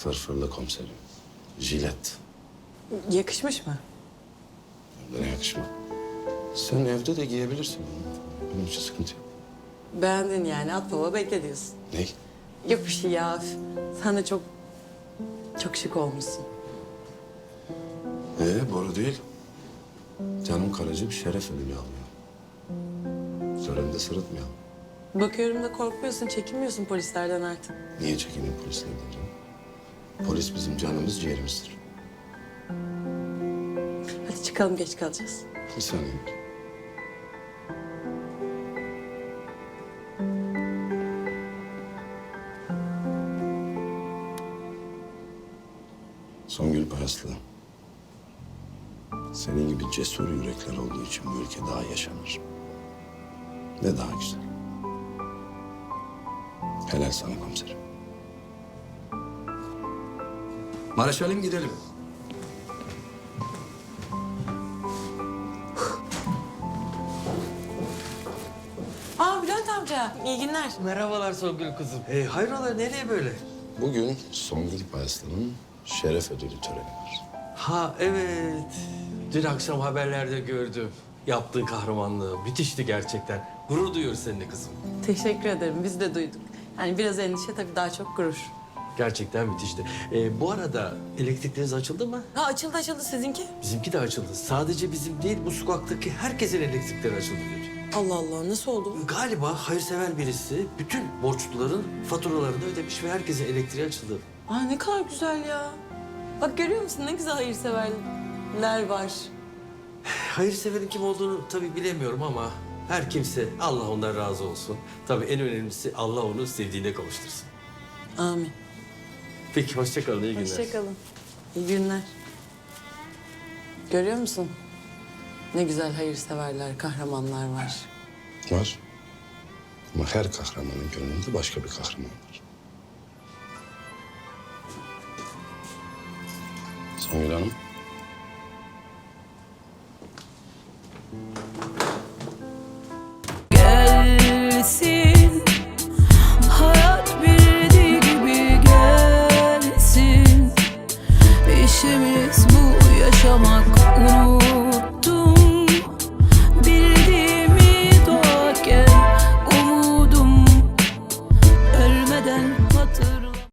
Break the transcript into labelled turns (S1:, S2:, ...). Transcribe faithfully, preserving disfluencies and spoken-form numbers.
S1: Fırfırlı komiserim. Jilet.
S2: Yakışmış mı?
S1: Ne yakışma. Sen evde de giyebilirsin onu. Benim için sıkıntı yok.
S2: Beğendin yani, at baba bekle diyorsun.
S1: Ne?
S2: Yok bir şey ya. Sen de çok, çok şık olmuşsun.
S1: Ee, boru değil. Canım karıcı bir şeref ödülü alıyor. Söylemde sırıtmayalım.
S2: Bakıyorum da korkmuyorsun, çekinmiyorsun polislerden artık.
S1: Niye çekineyim polislerden canım? Polis bizim canımız, ciğerimizdir.
S2: Hadi çıkalım, geç kalacağız.
S1: Bir saniye. Songül Paraslı. Senin gibi cesur yürekler olduğu için bu ülke daha yaşanır. Ve daha güzel. Helal sana komiserim. Maraşalim gidelim.
S2: Aa Bülent amca, iyi günler.
S3: Merhabalar Songül kızım. Ee, hayrola nereye böyle?
S1: Bugün Songül Paraslı'nın şeref ödülü töreni var.
S3: Ha evet. Dün akşam haberlerde gördüm. Yaptığı kahramanlığı müthişti gerçekten. Gurur duyuyoruz seninle kızım.
S2: Teşekkür ederim, biz de duyduk. Yani biraz endişe tabii, daha çok gurur.
S3: Gerçekten müthişti. Ee, bu arada elektrikleriniz açıldı mı?
S2: Ha açıldı açıldı, sizinki?
S3: Bizimki de açıldı. Sadece bizim değil, bu sokaktaki herkesin elektrikleri açıldı dün.
S2: Allah Allah, nasıl oldu?
S3: Galiba hayırsever birisi bütün borçluların faturalarını ödemiş ve herkesin elektriği açıldı.
S2: Aa ne kadar güzel ya. Bak görüyor musun, ne güzel hayırseverler var.
S3: Hayırseverin kim olduğunu tabii bilemiyorum ama her kimse Allah ondan razı olsun. Tabii en önemlisi Allah onu sevdiğine kavuştursun.
S2: Amin.
S3: Peki hoşça kalın, iyi günler.
S2: Hoşçakalın. İyi günler. Görüyor musun? Ne güzel hayırseverler, kahramanlar var.
S1: Var. Ama her kahramanın gönlünde başka bir kahraman var. Songül Hanım.
S4: Gelsin, hayat bildiği gibi gelsin. İşimiz bu, yaşamak, unut.